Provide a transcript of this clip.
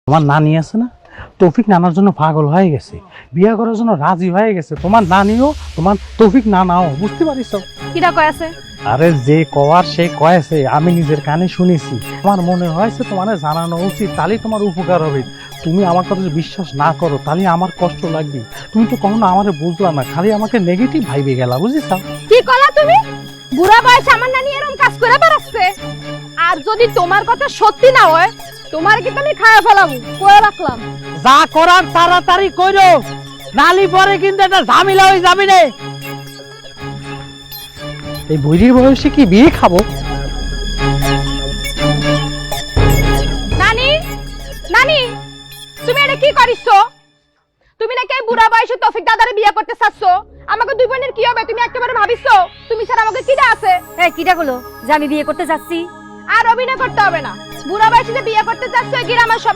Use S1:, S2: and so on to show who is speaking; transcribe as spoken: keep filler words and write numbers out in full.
S1: তোমার নানি আছে না, তৌফিক নানার জন্য পাগল হয়ে গেছে, বিয়ে করার জন্য রাজি হয়ে গেছে। তোমার নানিও তোমার তৌফিক নানাও, বুঝতে পারিস?
S2: কিটা কয় আছে?
S1: আরে যে কওয়ার সে কয়েছে, আমি নিজের কানে শুনেছি। আমার মনে হয়েছে তোমার জানানো উচিত, তাহলে তোমার উপকার হবে। তুমি আমার কথা যদি বিশ্বাস না করো তাহলে আমার কষ্ট লাগবে। তুমি তো কখনো আমারে বুঝলা না, খালি আমাকে নেগেটিভ ভাইবে গেলা, বুঝিস?
S2: কি কলা তুমি? বুড়া বয়সে আমার নানি এরকম কাজ করে বেড়াচ্ছে। আর যদি তোমার কথা সত্যি না হয়, তোমার কি আমি খায়া ফেলাবো, কয়ে রাখলাম।
S1: যা করার তাড়াতাড়ি করো, নালি পরে কিন্তু একটা ঝামেলা হয়ে যাবে রে। এই বুড়ির বয়সে কি বিয়ে খাবো?
S2: নানি, নানি, তুমি এটা কি করিছো? তুমি নাকি এই বুড়া বয়সে তৌফিক দাদারে বিয়ে করতে চাচ্ছো? আমাকে দুই বোনের কি হবে তুমি একেবারে ভাবিছো? তুমি ছাড়া আমাকে কিডা আছে?
S3: এই কিটা গুলো যে আমি বিয়ে করতে যাচ্ছি?
S2: আর অভিনয় করতে হবে না। বুড়া বয়সে যে বিয়ে করতে চাচ্ছো, এই গ্রামের সবাই